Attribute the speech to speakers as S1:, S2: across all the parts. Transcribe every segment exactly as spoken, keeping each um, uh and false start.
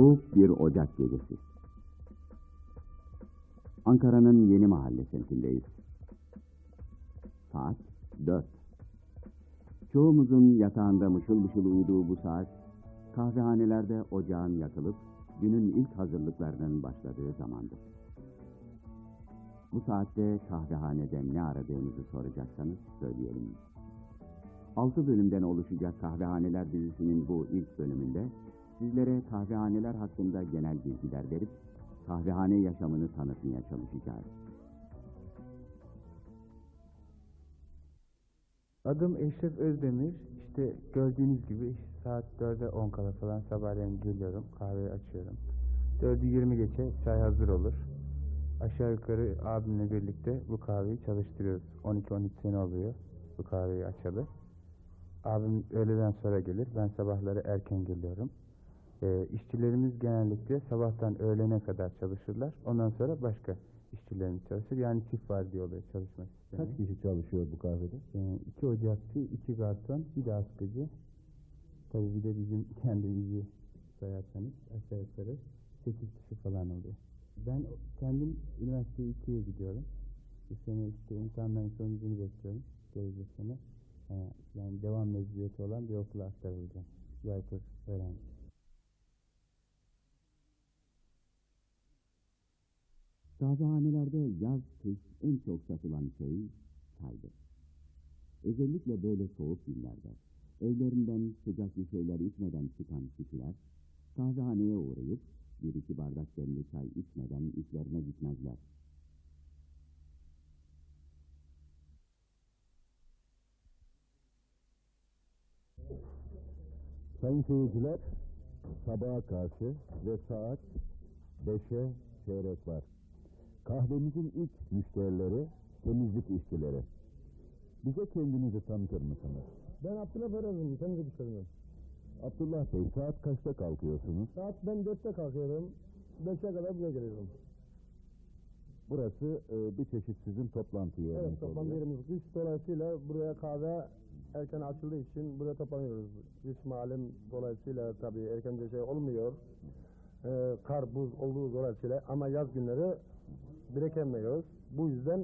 S1: Soğuk bir Ocak gecesi. Ankara'nın Yeni Mahalle semtindeyiz. Saat dört. Çoğumuzun yatağında mışıl mışıl uyuduğu bu saat, kahvehanelerde ocağın yakılıp günün ilk hazırlıklarının başladığı zamandır. Bu saatte kahvehanede ne aradığımızı soracaksanız söyleyelim. Altı bölümden oluşacak Kahvehaneler dizisinin bu ilk bölümünde sizlere kahvehaneler hakkında genel bilgiler verip kahvehane yaşamını tanıtmaya çalışacağız.
S2: Adım Eşref Özdemir. İşte gördüğünüz gibi saat dörde on kala falan sabahleyin geliyorum, kahveyi açıyorum. dördü yirmi geçe çay hazır olur. Aşağı yukarı abimle birlikte bu kahveyi çalıştırıyoruz. on iki on üç sene oluyor bu kahveyi açalı. Abim öğleden sonra gelir, ben sabahları erken geliyorum. E, işçilerimiz genellikle sabahtan öğlene kadar çalışırlar. Ondan sonra başka işçilerimiz çalışır. Yani çift vardiya oluyor çalışma sistemi.
S3: Kaç kişi çalışıyor bu kahvede?
S2: E, iki ocakçı, iki garson, bir de askıcı. Tabii bir de bizim kendimizi sayarsanız aşağı yukarı sekiz kişi falan oluyor. Ben kendim üniversite ikiye gidiyorum. Bu sene işte imtihanların sonucunu bekliyorum. Gelecek sene. E, yani devam mecburiyeti olan bir okula aktarılacağım. Yaykur öğrenci.
S1: Kahvehanelerde yaz, kış en çok satılan şey çaydır. Özellikle böyle soğuk günlerde evlerinden sıcak bir şeyler içmeden çıkan kişiler kahvehaneye uğrayıp bir iki bardak demli çay içmeden işlerine gitmezler.
S3: Sayın seyirciler, sabaha karşı ve saat beşe çeyrek var. Kahvemizin ilk müşterileri temizlik işçileri. Bize kendinizi tanıtır mısınız?
S4: Ben Abdullah Feroz'um, temizlik işçisiyim.
S3: Abdullah Bey, saat kaçta kalkıyorsunuz?
S4: Saat ben dörtte kalkıyorum, beşe kadar buraya geliyorum.
S3: Burası e, bir çeşit sizin toplantı yeriniz
S4: Evet, toplantı
S3: oluyor.
S4: yerimiz. Kış dolayısıyla buraya kahve erken açıldığı için buraya toplanıyoruz. Kış malum dolayısıyla tabii erkence şey olmuyor. Ee, kar, buz olduğu dolayısıyla ama yaz günleri birikemiyoruz. Bu yüzden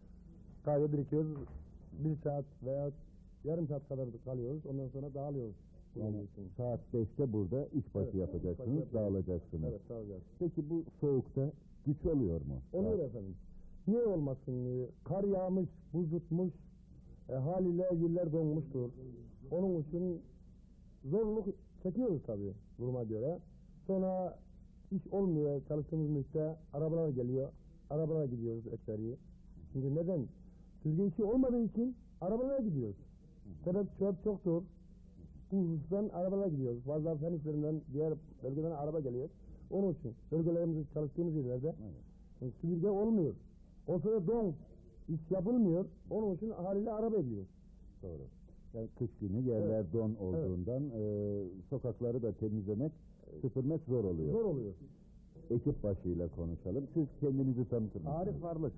S4: kahve birikiyoruz. Bir saat veya yarım saat kadar kalıyoruz. Ondan sonra dağılıyoruz.
S3: Yani saat beşte burada işbaşı
S4: Evet,
S3: yapacaksınız,
S4: işbaşı yapacağız.
S3: dağılacaksınız.
S4: Evet, dağılacağız.
S3: Peki bu soğukta güç oluyor mu?
S4: Oluyor
S3: Saat-
S4: efendim. Niye olmasın? Ee, Kar yağmış, buz tutmuş, e, haliyle yerler donmuştur. Onun için zorluk çekiyoruz tabii duruma göre. Sonra iş olmuyor çalıştığımız müddetçe arabalar geliyor. Arabalara gidiyoruz ekseriye. Çünkü neden? Türkiye işi olmadığı için arabalara gidiyoruz. Sebep çöp çoktur. Bu husustan arabalara gidiyoruz. Bazı fen işlerinden, diğer bölgeden araba geliyor. Onun için bölgelerimizde çalıştığımız yerlerde
S3: Evet.
S4: süpürge olmuyor. O sırada don, iş yapılmıyor. Onun için haliyle araba ediyoruz.
S3: Doğru. Yani kış günü yerler
S4: Evet.
S3: don olduğundan e, sokakları da temizlemek, süpürmek zor oluyor.
S4: Zor oluyor.
S3: Ekip başıyla konuşalım. Siz kendinizi tanıtır mısınız?
S4: Arif Varlık.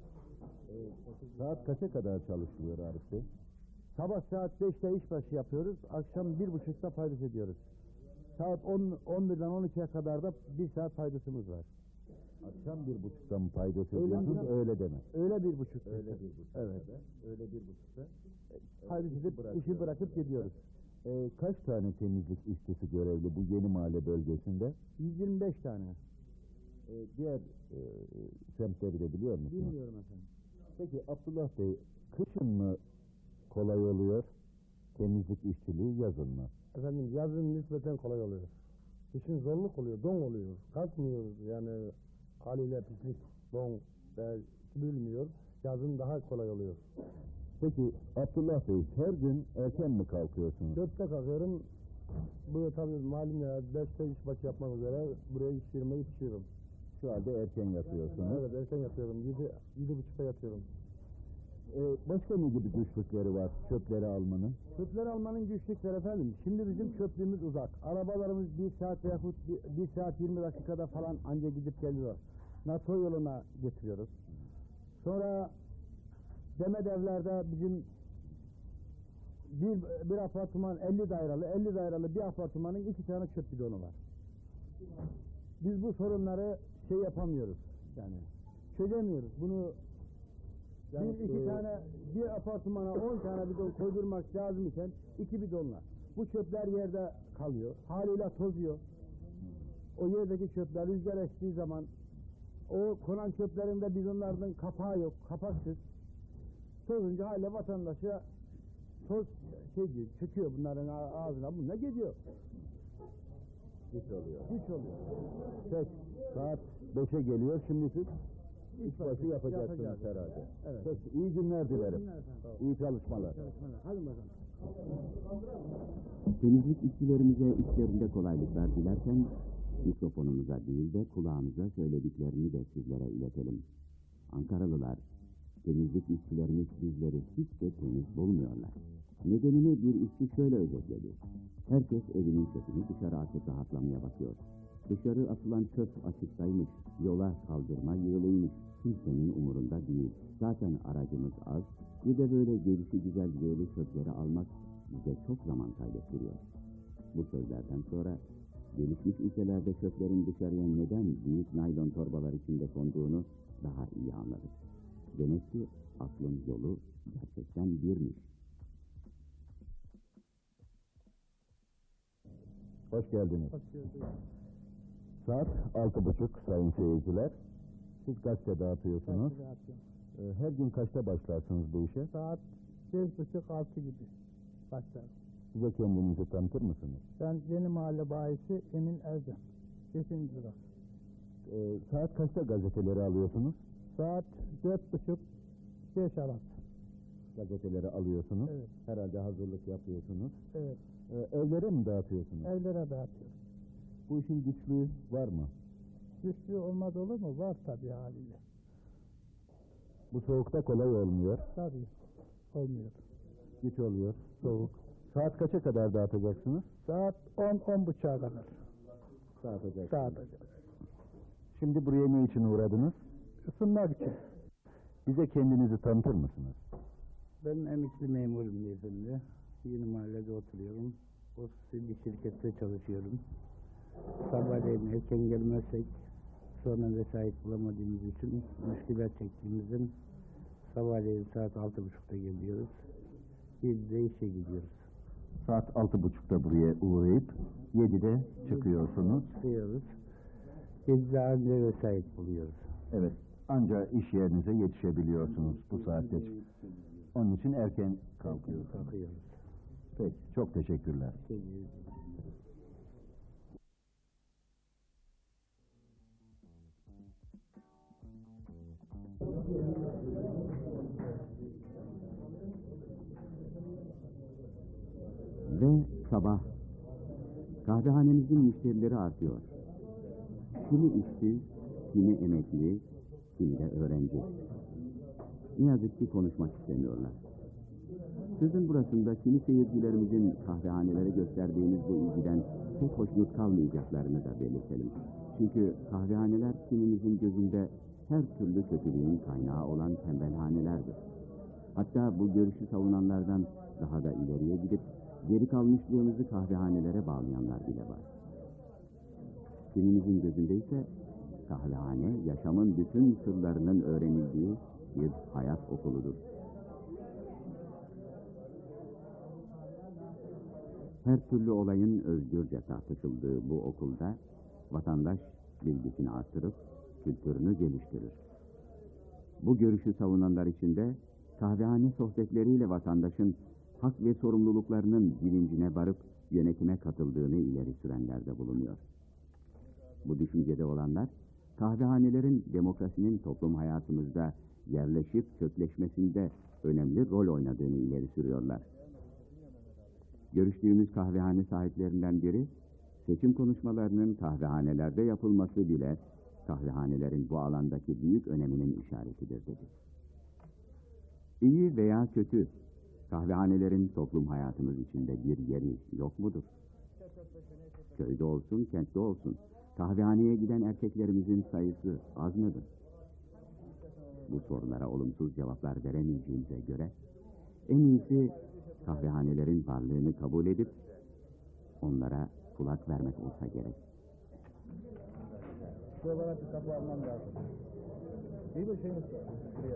S3: E, saat kaça kadar çalışılıyor Arif Bey?
S4: Sabah saat beşte işbaşı yapıyoruz. Akşam bir buçukta faydus ediyoruz. Saat on, on birden on ikiye kadar da bir saat faydusumuz var.
S3: Akşam bir buçukta mı paydos
S4: Öğlen
S3: ediyorsunuz?
S4: biraz-
S3: Öyle deme.
S4: Öyle bir buçuk.
S3: Öyle bir buçukta.
S4: Evet.
S3: Öyle bir buçukta.
S4: Faydus edip
S3: bırakıyoruz.
S4: işi bırakıp gidiyoruz.
S3: E, kaç tane temizlik işçisi görevli bu yeni mahalle bölgesinde?
S4: yüz yirmi beş tane.
S3: E, diğer e, semtleri de biliyor musunuz?
S4: Bilmiyorum efendim.
S3: Peki Abdullah Bey, kışın mı kolay oluyor temizlik işçiliği, yazın mı?
S4: Efendim yazın nispeten kolay oluyor. Kışın zorluk oluyor, don oluyor. Kalkmıyoruz yani haliyle pislik, don ve bilmiyor. Yazın daha kolay oluyor.
S3: Peki Abdullah Bey, her gün erken mi kalkıyorsunuz?
S4: Dörtte kalkıyorum. Buraya tabii malum ya beşte işbaşı yapmak üzere buraya iş yerime yetişiyorum.
S3: Şu halde erken yatıyorsunuz.
S4: Evet erken yatıyorum. Yedi, yedi buçukta yatıyorum.
S3: Ee, başka ne gibi güçlükleri var çöpleri almanın?
S4: Çöpleri almanın güçlükleri efendim. Şimdi bizim çöplüğümüz uzak. Arabalarımız bir saat veyahut bir, bir saat yirmi dakikada falan anca gidip geliyor. NATO yoluna getiriyoruz. Sonra Demet evlerde bizim bir, bir apartman elli daireli, elli daireli bir apartmanın iki tane çöp bidonu var. biz bu sorunları şey yapamıyoruz yani çözemiyoruz. Bunu
S3: Yani,
S4: bir iki
S3: e,
S4: tane bir apartmana on tane bidon koydurmak lazım iken iki bidonla. Bu çöpler yerde kalıyor. Haliyle tozuyor. O yerdeki çöpler rüzgar estiği zaman o konan çöplerin de bidonlarının kapağı yok. Kapaksız. Tozunca haliyle vatandaşa toz şey diyor, çöküyor bunların ağzına. Bununla gidiyor.
S3: Hiç oluyor.
S4: Hiç oluyor.
S3: Peki, saat beşe geliyor, şimdi siz iş başı yapacaksınız
S4: Yapacağız.
S3: herhalde.
S4: Evet.
S3: Peki, iyi günler dilerim.
S4: günler efendim.
S3: İyi çalışmalar.
S4: Çalışmalar. Hadi bakalım.
S1: Temizlik işçilerimize işlerinde kolaylıklar dilerken mikrofonumuza değil de kulağımıza söylediklerini de sizlere iletelim. Ankaralılar, temizlik işçilerimiz bizleri hiç de temiz bulmuyorlar. Nedenini bir işçi şöyle özetledi. Herkes evinin çöpünü dışarı atıp rahatlamaya bakıyor. Dışarı atılan çöp açıktaymış, yola kaldırma yığılıymış. Kimsenin umurunda değil. Zaten aracımız az, bir de böyle gelişi güzel yığılı çöpleri almak bize çok zaman kaybettiriyor. Bu sözlerden sonra gelişmiş ülkelerde çöplerin dışarıya neden büyük naylon torbalar içinde konduğunu daha iyi anladık. Demek ki aklın yolu gerçekten birmiş.
S3: Hoş geldiniz.
S4: Hoş geldiniz.
S3: Saat altı buçuk sayın seyirciler. Siz gazete dağıtıyorsunuz.
S4: Gazete dağıtıyorum.
S3: Ee, Her gün kaçta başlarsınız bu işe?
S4: Saat beş buçuk altı gibi başlar.
S3: Size kendinizi tanıtır mısınız?
S4: Ben Yeni Mahalle bayisi Emin Ercan. Beşinci durak.
S3: Ee, saat kaçta gazeteleri alıyorsunuz?
S4: Saat dört buçuk beş arası.
S3: Gazeteleri alıyorsunuz.
S4: Evet.
S3: Herhalde hazırlık yapıyorsunuz.
S4: Evet.
S3: Ee, evlere mi dağıtıyorsunuz?
S4: Evlere dağıtıyorum.
S3: Bu işin güçlüğü var mı?
S4: Güçlü olmaz olur mu? Var tabii haliyle.
S3: Bu soğukta kolay olmuyor.
S4: Tabii. Olmuyor.
S3: Güç oluyor. Soğuk. Saat kaça kadar dağıtacaksınız?
S4: Saat on on buçuğa kadar
S3: Dağıtacaksınız.
S4: dağıtacağız.
S3: Şimdi buraya ne için uğradınız?
S4: Isınmak için.
S3: Bize kendinizi tanıtır mısınız?
S2: Ben emekli memurum beyefendi. Yeni mahallede oturuyorum. Ofisli bir şirkette çalışıyorum. Sabahleyin erken gelmezsek sonra vesait bulamadığımız için müşkilat çektiğimizden sabahleyin saat altı buçukta geliyoruz. yedide işe gidiyoruz.
S3: Saat altı buçukta buraya uğrayıp yedide çıkıyorsunuz.
S2: Çıkıyoruz. yedide anca vesait buluyoruz.
S3: Evet. Anca iş yerinize yetişebiliyorsunuz bu saatte. Onun için erken kalkıyorsunuz.
S2: Kalkıyoruz.
S3: Peki. Çok teşekkürler.
S2: Şey,
S1: Ve sabah kahvehanemizin müşterileri artıyor. Kimi işsiz, kimi emekli, kimi de öğrenci. Ne yazık ki konuşmak istemiyorlar. Sözün burasında kimi seyircilerimizin kahvehanelere gösterdiğimiz bu ilgiden pek hoşnut kalmayacaklarını da belirtelim. Çünkü kahvehaneler kimimizin gözünde her türlü kötülüğün kaynağı olan tembelhanelerdir. Hatta bu görüşü savunanlardan daha da ileriye gidip geri kalmışlığımızı kahvehanelere bağlayanlar bile var. Kimimizin gözünde ise kahvehane yaşamın bütün sırlarının öğrenildiği bir hayat okuludur. Her türlü olayın özgürce tartışıldığı bu okulda vatandaş bilgisini artırıp kültürünü geliştirir. Bu görüşü savunanlar için de kahvehane sohbetleriyle vatandaşın hak ve sorumluluklarının bilincine varıp yönetime katıldığını ileri sürenler de bulunuyor. Bu düşüncede olanlar, kahvehanelerin demokrasinin toplum hayatımızda yerleşip kökleşmesinde önemli rol oynadığını ileri sürüyorlar. Görüştüğümüz kahvehane sahiplerinden biri, seçim konuşmalarının kahvehanelerde yapılması bile kahvehanelerin bu alandaki büyük öneminin işaretidir dedi. İyi veya kötü, kahvehanelerin toplum hayatımız içinde bir yeri yok mudur? Köyde olsun, kentte olsun, kahvehaneye giden erkeklerimizin sayısı az mıdır? Bu sorulara olumsuz cevaplar veremeyeceğimize göre, en iyisi kahvehanelerin varlığını kabul edip onlara kulak vermek olsa gerek.
S4: Şu olarak bir kapı almam lazım. İyi bir şey mi? Buraya.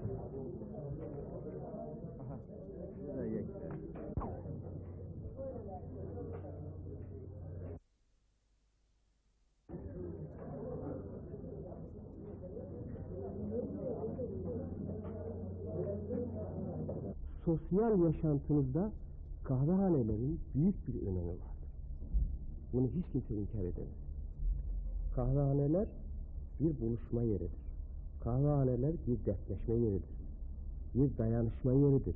S4: Aha. Şuraya geç.
S5: Sosyal yaşantınızda kahvehanelerin büyük bir önemi vardır. Bunu hiç kimse inkar edemez. Kahvehaneler bir buluşma yeridir. Kahvehaneler bir dertleşme yeridir. Bir dayanışma yeridir.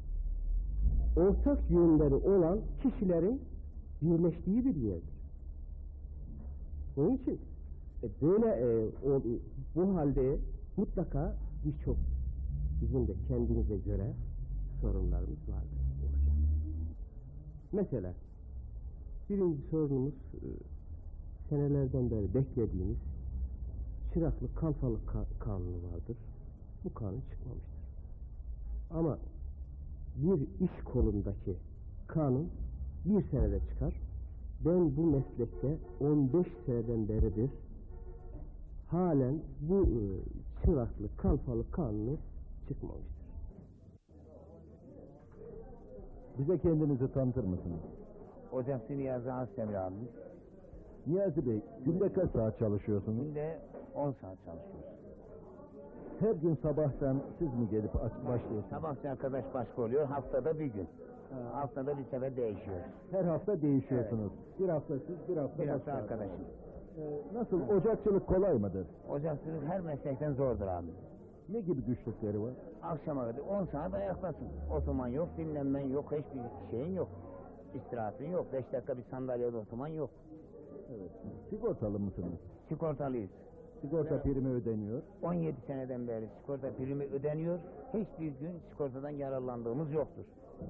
S5: Ortak yönleri olan kişilerin birleştiği bir yerdir. Onun için e, böyle e, o, bu halde mutlaka birçok bizim de kendimize göre sorunlarımız vardır. Olacak. Mesela birinci sorunumuz e, senelerden beri beklediğimiz çıraklık kalfalık ka kanunu vardır. Bu kanun çıkmamıştır. Ama bir iş kolundaki kanun bir senede çıkar. Ben bu meslekte on beş seneden beridir halen bu e, çıraklık kalfalık kanunu çıkmamıştır.
S3: Bize kendinizi tanıtır mısınız?
S6: Ocakçı Niyazi Asdemir abi.
S3: Niyazi Bey, günde kaç saat çalışıyorsunuz?
S6: Günde on saat çalışıyoruz.
S3: Her gün sabahtan siz mi gelip aç başlıyorsunuz?
S6: Sabahçı arkadaş başka oluyor, haftada bir gün. Ha, haftada bir sefer değişiyoruz.
S3: Her hafta değişiyorsunuz. Bir hafta siz, bir hafta
S6: Bir hafta
S3: başka
S6: arkadaşım.
S3: Ee, nasıl, ocakçılık kolay mıdır?
S6: Ocakçılık her meslekten zordur abi.
S3: Ne gibi güçlükleri var?
S6: Akşama kadar on saat ayaktasın. Oturman yok, dinlenmen yok, hiçbir şeyin yok. İstirahatin yok, beş dakika bir sandalyede oturman yok.
S3: Evet. Sigortalı mısınız?
S6: Sigortalıyız.
S3: Sigorta primi ödeniyor.
S6: on yedi seneden beri sigorta primi ödeniyor. Hiçbir gün sigortadan yararlandığımız yoktur.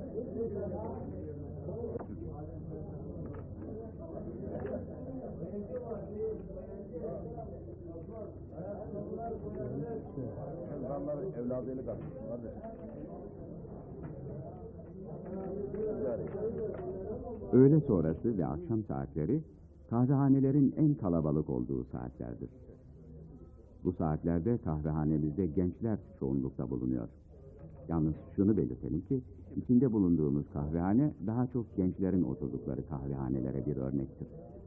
S3: Insanlar evladıyla kalmış.
S1: Öğle sonrası ve akşam saatleri kahvehanelerin en kalabalık olduğu saatlerdir. Bu saatlerde kahvehanemizde gençler çoğunlukta bulunuyor. Yalnız şunu belirtelim ki içinde bulunduğumuz kahvehane daha çok gençlerin oturdukları kahvehanelere bir örnektir.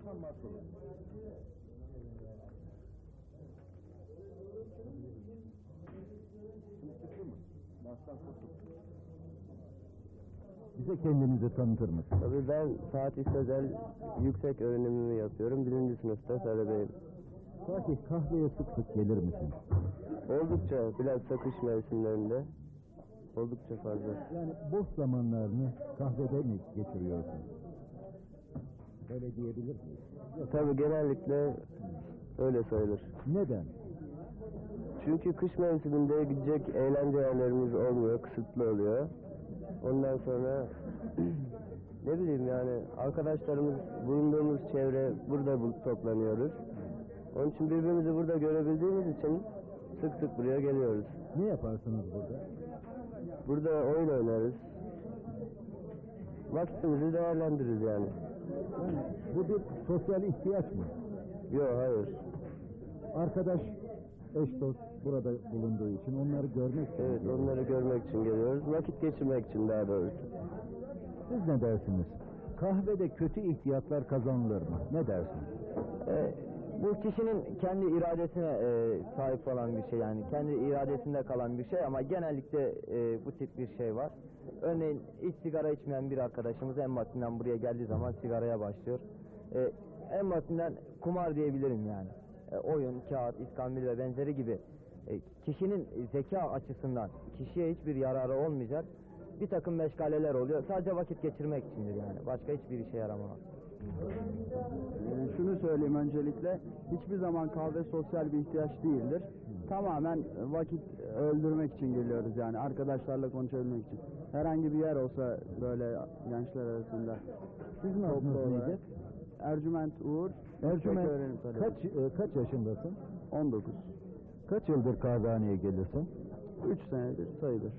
S3: Bize kendinizi tanıtır mısınız?
S5: Tabii ben Fatih Sözel yüksek öğrenimimi yapıyorum. Birinci sınıfta talebeyim.
S3: Fatih, kahveye sık sık gelir misin?
S5: Oldukça bilhassa kış mevsimlerinde oldukça fazla.
S3: Yani boş zamanlarını kahvede mi geçiriyorsun? Öyle diyebilir miyiz?
S5: Tabii genellikle öyle sayılır.
S3: Neden?
S5: Çünkü kış mevsiminde gidecek eğlence yerlerimiz olmuyor, kısıtlı oluyor. Ondan sonra ne bileyim yani arkadaşlarımız, bulunduğumuz çevre burada bu- toplanıyoruz. Onun için birbirimizi burada görebildiğimiz için sık sık buraya geliyoruz.
S3: Ne yaparsınız burada?
S5: Burada oyun oynarız. Vaktimizi değerlendiririz yani.
S3: Yani bu bir sosyal ihtiyaç mı?
S5: Yok hayır.
S3: Arkadaş, eş dost burada bulunduğu için onları görmek için.
S5: Evet onları görmek için geliyoruz. Vakit geçirmek için daha doğrusu.
S3: Siz ne dersiniz? Kahvede kötü ihtiyatlar kazanılır mı? Ne dersiniz?
S7: E, bu kişinin kendi iradesine e, sahip olan bir şey yani kendi iradesinde kalan bir şey ama genellikle e, bu tip bir şey var. Örneğin hiç sigara içmeyen bir arkadaşımız en basitinden buraya geldiği zaman sigaraya başlıyor. E, en basitinden kumar diyebilirim yani. E, oyun, kağıt, iskambil ve benzeri gibi e, kişinin zeka açısından kişiye hiçbir yararı olmayacak bir takım meşgaleler oluyor. Sadece vakit geçirmek içindir yani. Başka hiçbir işe yaramaz.
S8: Ee, şunu söyleyeyim öncelikle, hiçbir zaman kahve sosyal bir ihtiyaç değildir. Tamamen vakit öldürmek için geliyoruz yani, arkadaşlarla konuşabilmek için. Herhangi bir yer olsa böyle gençler arasında.
S3: Sizin adınız neydi?
S8: Ercüment Uğur.
S3: Ercüment,
S8: Yüksek öğrenim talebesi.
S3: kaç, e, kaç yaşındasın?
S8: on dokuz.
S3: Kaç yıldır kahvehaneye gelirsin?
S8: üç senedir sayılır.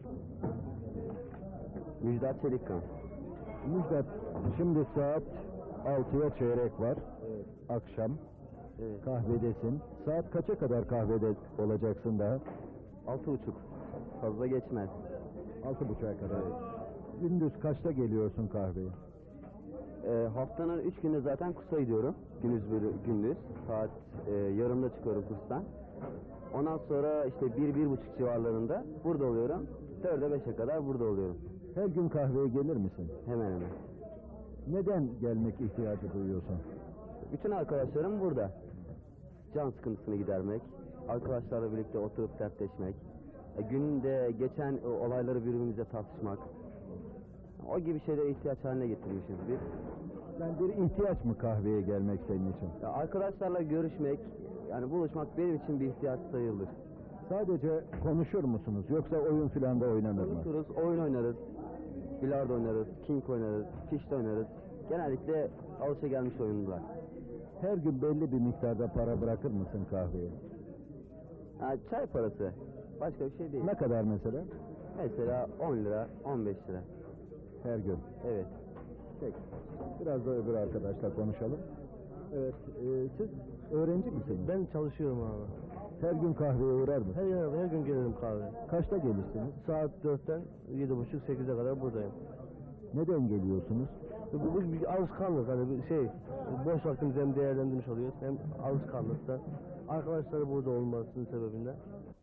S5: Müjdat Çelikkan.
S3: Müjdat, şimdi saat altıya çeyrek var. Akşam.
S7: Evet.
S3: Kahvedesin. Saat kaça kadar kahvede olacaksın daha?
S7: Altı buçuk. Fazla geçmez.
S3: Altı buçuğa kadar. Gündüz kaçta geliyorsun kahveye?
S7: Ee, haftanın üç günü zaten kursa gidiyorum. Gündüz böyle gündüz. Saat e, yarımda çıkıyorum kurstan. Ondan sonra işte bir, bir buçuk civarlarında burada oluyorum. Dörde beşe kadar burada oluyorum.
S3: Her gün kahveye gelir misin?
S7: Hemen hemen.
S3: Neden gelmek ihtiyacı duyuyorsun?
S7: Bütün arkadaşlarım burada. Can sıkıntısını gidermek, arkadaşlarla birlikte oturup dertleşmek, e, günde geçen e, olayları birbirimize tartışmak. O gibi şeylere ihtiyaç haline getirmişiz biz.
S3: Yani bir ihtiyaç mı kahveye gelmek senin için?
S7: Ya arkadaşlarla görüşmek, yani buluşmak benim için bir ihtiyaç sayılır.
S3: Sadece konuşur musunuz yoksa oyun filan da oynanır mı?
S7: Konuşuruz, oyun oynarız, bilardo oynarız, king oynarız, fişte oynarız. Genellikle alışagelmiş oyunlar.
S3: Her gün belli bir miktarda para bırakır mısın kahveye?
S7: Yani çay parası, başka bir şey değil.
S3: Ne kadar mesela?
S7: Mesela on lira, on beş lira.
S3: Her gün.
S7: Evet.
S3: Peki. Biraz da öbür arkadaşla konuşalım. Evet. E, siz öğrenci misiniz?
S4: Ben çalışıyorum abi.
S3: Her gün kahveye uğrar mısın?
S4: Her, gün- her gün gelirim kahve.
S3: Kaçta gelirsiniz?
S4: Saat dörtten yedi buçuk sekize kadar buradayım.
S3: Neden geliyorsunuz?
S4: Bu, bu bir alışkanlık, hani bir şey, boş vaktimizi hem değerlendirmiş oluyoruz hem alışkanlıkta. Arkadaşları burada olmasının sebebinden.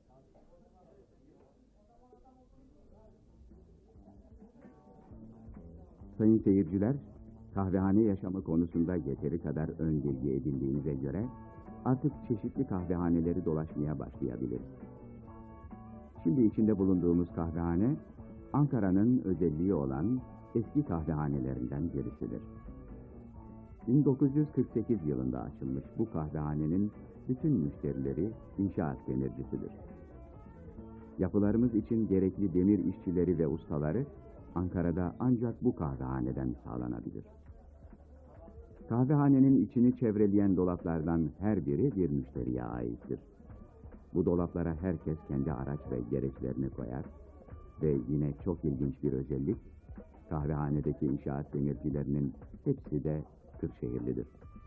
S1: Sayın seyirciler, kahvehane yaşamı konusunda yeteri kadar ön bilgi edindiğinize göre artık çeşitli kahvehaneleri dolaşmaya başlayabiliriz. Şimdi içinde bulunduğumuz kahvehane, Ankara'nın özelliği olan eski kahvehanelerinden birisidir. bin dokuz yüz kırk sekiz yılında açılmış bu kahvehanenin bütün müşterileri inşaat demircisidir. Yapılarımız için gerekli demir işçileri ve ustaları Ankara'da ancak bu kahvehaneden sağlanabilir. Kahvehanenin içini çevreleyen dolaplardan her biri bir müşteriye aittir. Bu dolaplara herkes kendi araç ve gereçlerini koyar ve yine çok ilginç bir özellik, kahvehanedeki inşaat demircilerinin hepsi de Kırşehirlidir.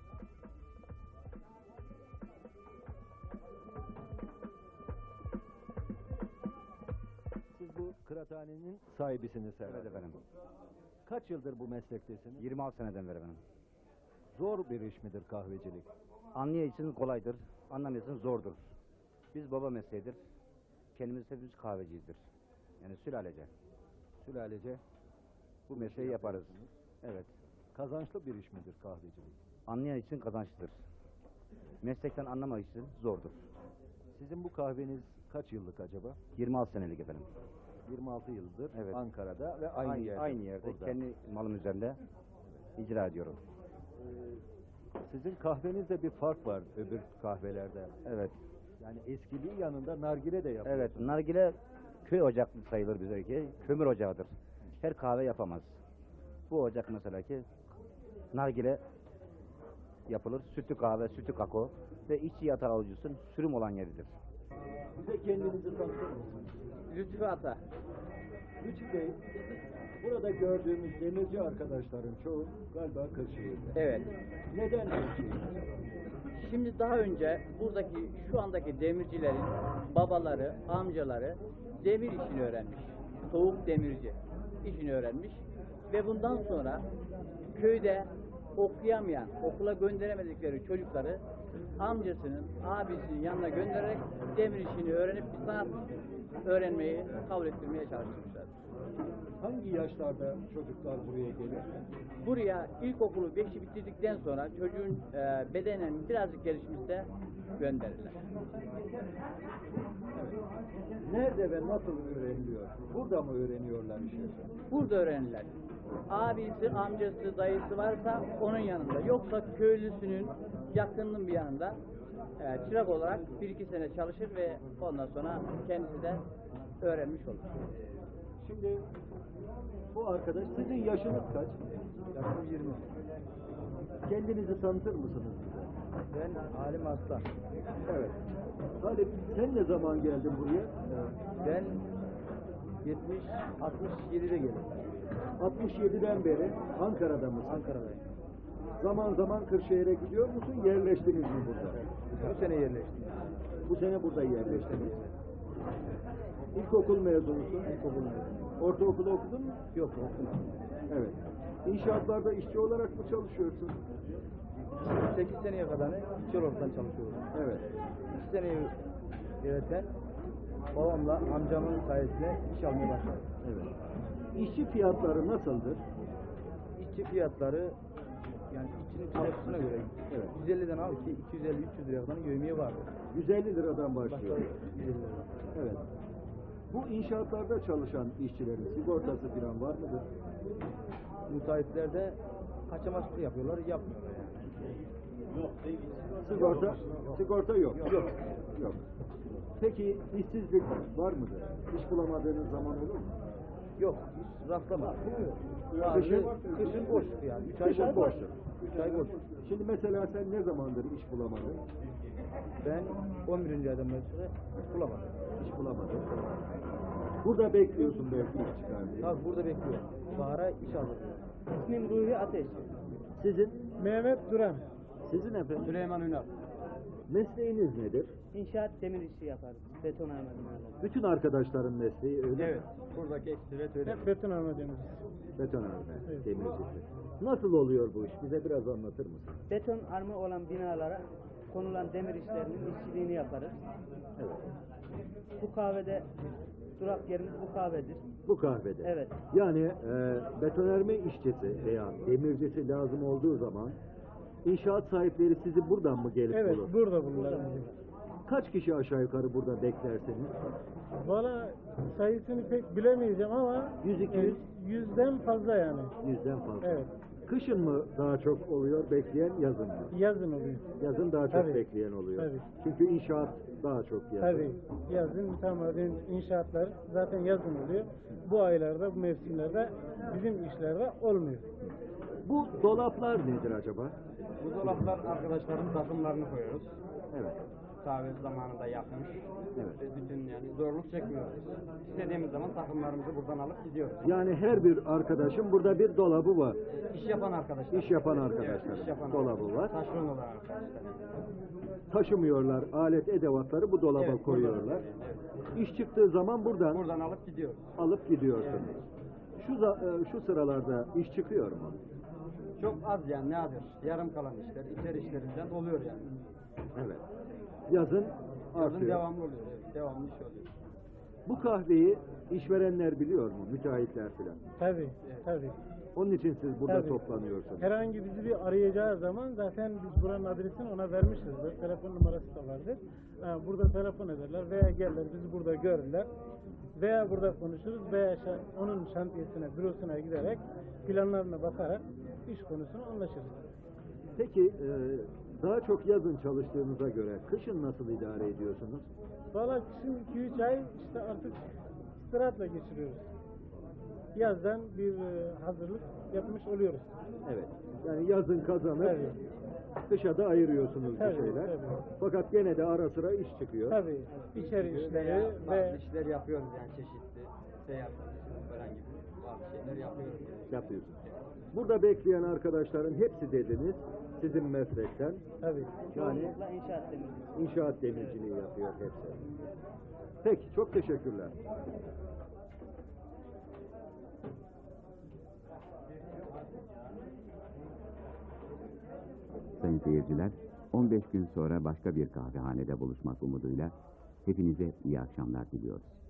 S3: Siz bu kıraathanenin sahibisiniz herhalde.
S9: Evet efendim.
S3: Kaç yıldır bu meslektesiniz?
S9: yirmi altı seneden beri efendim.
S3: Zor bir iş midir kahvecilik?
S9: Anlayan için kolaydır, anlamayan için zordur. Biz baba mesleğidir. Kendimiz hepimiz kahveciyizdir. Yani sülalece.
S3: Sülalece
S9: Bu mesleği yaparız. Evet.
S3: kazançlı bir iş midir kahvecilik?
S9: Anlayan için kazançlıdır. Meslekten anlamak için zordur.
S3: Sizin bu kahveniz kaç yıllık acaba?
S9: yirmi altı senelik efendim.
S3: yirmi altı yıldır
S9: Evet.
S3: Ankara'da ve aynı,
S9: aynı
S3: yerde.
S9: Aynı yerde
S3: burada.
S9: kendi malım üzerinde icra ediyorum.
S3: Sizin kahvenizde bir fark var öbür kahvelerde.
S9: Evet.
S3: Yani eskiliği yanında nargile de yapıyor.
S9: Evet. Nargile köy ocaklı sayılır bize ki. Kömür ocağıdır. Her kahve yapamaz. Bu ocak mesela ki nargile yapılır. Sütlü kahve, sütlü kakao ve içi yatağı alıcısın sürüm olan yeridir.
S3: Bize kendinizi tanıtır mısınız?
S10: Lütfü Ata.
S3: Lütfü Bey, burada gördüğümüz demirci arkadaşların çoğu galiba Kırşehir'de.
S10: Evet.
S3: Neden Kırşehir?
S10: Şimdi daha önce buradaki şu andaki demircilerin babaları, amcaları demir işini öğrenmiş. Soğuk demirci işini öğrenmiş. Ve bundan sonra köyde okuyamayan, okula gönderemedikleri çocukları amcasının, abisinin yanına göndererek demir işini öğrenip bir sanat öğrenmeyi kabul ettirmeye çalışmışlar.
S3: Hangi yaşlarda çocuklar buraya gelir?
S10: Buraya ilkokulu beşi bitirdikten sonra çocuğun e, bedenen birazcık gelişmişse gönderirler.
S3: Nerede ve nasıl öğreniliyor? Burada mı öğreniyorlar işi?
S10: Burada öğrenirler. Abisi, amcası, dayısı varsa onun yanında. Yoksa köylüsünün yakınının bir yanında e, çırak olarak bir iki sene çalışır ve ondan sonra kendisi de öğrenmiş olur.
S3: Şimdi bu arkadaş, sizin yaşınız kaç?
S10: Yaşım yirmi.
S3: Kendinizi tanıtır mısınız bize?
S10: Ben Halim Aslan.
S3: Evet. Halim, sen ne zaman geldin buraya?
S10: Ben yetmiş altmış yedide geldim.
S3: altmış yediden beri Ankara'da mısın?
S10: Ankara'dayım.
S3: Zaman zaman Kırşehir'e gidiyor musun? Yerleştiniz mi burada?
S2: Bu sene yerleştim.
S3: Bu sene burada yerleştiniz. İlkokul mezunusun.
S2: İlkokul mezunu.
S3: Ortaokulu okudun mu?
S2: Yok, okumadım.
S3: Evet. İnşaatlarda işçi olarak mı çalışıyorsun?
S2: sekiz seneye kadar işçi olarak çalışıyorum.
S3: Evet.
S2: iki seneyi yöneten babamla amcamın sayesinde iş almaya başladım.
S3: Evet. İşçi fiyatları nasıldır?
S2: İşçi fiyatları yani işçinin çalışmasına göre
S3: Evet.
S2: yüz elliden al ki iki yüz elli üç yüz liraya kadar yövmiye var.
S3: yüz elli liradan başlıyor.
S2: Başka yüz elli lira.
S3: Evet. Bu inşaatlarda çalışan işçilerin sigortası falan var mıdır?
S2: Müteahhitlerde kaçamakçılık yapıyorlar, yapmıyorlar yani.
S3: Sigorta, sigorta yok. Yok. Yok. Peki işsizlik var mıdır? İş bulamadığınız zaman olur mu?
S2: Yok, hiç rastlamadım.
S3: Kışın,
S2: Kışın boş yani. üç ay
S3: kışın
S2: boş.
S3: boştur.
S2: üç ay boş.
S3: Şimdi mesela sen ne zamandır iş bulamadın?
S2: Ben on birinci aydan beri sonra iş bulamadım.
S3: İş bulamadın. Burada bekliyorsun belki iş çıkar diye.
S2: Tabii burada bekliyorum. Bahara iş alır.
S11: İsmim Ruhi Ateş.
S3: Sizin?
S4: Mehmet Duran.
S3: Sizin efendim?
S2: Süleyman Ünal.
S3: Mesleğiniz nedir?
S11: İnşaat demir işi yaparız. Beton arma binaları.
S3: Bütün arkadaşların mesleği öyle mi?
S2: Evet. Buradaki ekstret öyle.
S4: Hep beton arma deniyoruz.
S3: Betonarme,
S4: Evet.
S3: demircisi. Nasıl oluyor bu iş? Bize biraz anlatır mısın?
S11: Beton arma olan binalara konulan demir işlerinin işçiliğini yaparız.
S3: Evet.
S11: Bu kahvede durak yerimiz bu kahvedir.
S3: Bu kahvede.
S11: Evet.
S3: Yani e, betonarme işçisi veya demircisi lazım olduğu zaman inşaat sahipleri sizi buradan mı gelip
S4: Evet,
S3: bulur?
S4: burada bunlar.
S3: Kaç kişi aşağı yukarı burada beklersiniz?
S4: Valla sayısını pek bilemeyeceğim ama
S3: Yüz, iki yüz?
S4: e, yüzden fazla yani.
S3: Yüzden fazla.
S4: Evet.
S3: Kışın mı daha çok oluyor bekleyen, yazın mı?
S4: Yazın oluyor.
S3: Yazın daha çok
S4: Tabii.
S3: bekleyen oluyor.
S4: Tabii.
S3: Çünkü inşaat daha çok yazın.
S4: Tabii. Yazın tamamen inşaatlar zaten yazın oluyor. Bu aylarda, bu mevsimlerde bizim işlerde olmuyor.
S3: Bu dolaplar nedir acaba?
S2: Bu dolaplar arkadaşların takımlarını koyuyoruz.
S3: Evet.
S2: Kahve zamanında yapmış.
S3: Evet.
S2: Ve bütün yani zorluk çekmiyoruz. İstediğimiz zaman takımlarımızı buradan alıp gidiyoruz.
S3: Yani her bir arkadaşın burada bir dolabı var.
S2: İş yapan arkadaşlar.
S3: İş yapan arkadaşlar.
S2: Evet, iş yapan
S3: Dolabı
S2: arkadaşlar.
S3: var.
S2: Taşeron olan arkadaşlar.
S3: Taşımıyorlar alet edevatları bu dolaba
S2: Evet,
S3: koyuyorlar.
S2: Evet.
S3: İş çıktığı zaman buradan
S2: Buradan alıp gidiyoruz.
S3: alıp gidiyorsunuz. Şu za- e, şu sıralarda iş çıkıyor mu?
S2: Çok az yani nadir. Yarım kalan işler, içer işlerinden oluyor yani.
S3: Evet. Yazın
S2: Yazın
S3: artıyor.
S2: devamlı oluyor. Evet, devamlı iş oluyor.
S3: Bu kahveyi işverenler biliyor mu? Müteahhitler filan.
S4: Tabii, tabii.
S3: Onun için siz burada
S4: Tabii.
S3: toplanıyorsunuz.
S4: Herhangi bizi bir arayacağı zaman zaten biz buranın adresini ona vermişizdir. Telefon numarası da vardır. Ha, burada telefon ederler veya gelirler bizi burada görürler. Veya burada konuşuruz veya şa- onun şantiyesine, bürosuna giderek planlarına bakarak iş konusunu anlaşırız.
S3: Peki e, daha çok yazın çalıştığınıza göre kışın nasıl idare ediyorsunuz?
S4: Valla kışın iki üç ay işte artık istirahatla geçiriyoruz. Yazdan bir e, hazırlık yapmış oluyoruz.
S3: Evet. Yani yazın kazanıp
S4: Tabii.
S3: kışa da ayırıyorsunuz
S4: Tabii,
S3: bir şeyler.
S4: tabii.
S3: Fakat gene de ara sıra iş çıkıyor.
S4: Tabii. İçeri işleri
S2: Veya
S4: ve
S2: bazı işler yapıyoruz yani çeşitli. Seyahat falan gibi bazı şeyler yapıyoruz.
S3: Yapıyorsunuz. Burada bekleyen arkadaşların hepsi dediniz sizin meslekten.
S4: tabii.
S3: Yani
S11: Çoğunlukla inşaat demir.
S3: inşaat demirciliği yapıyor hepsi. Peki çok teşekkürler.
S1: Sayın seyirciler, on beş gün sonra başka bir kahvehanede buluşmak umuduyla hepinize iyi akşamlar diliyoruz.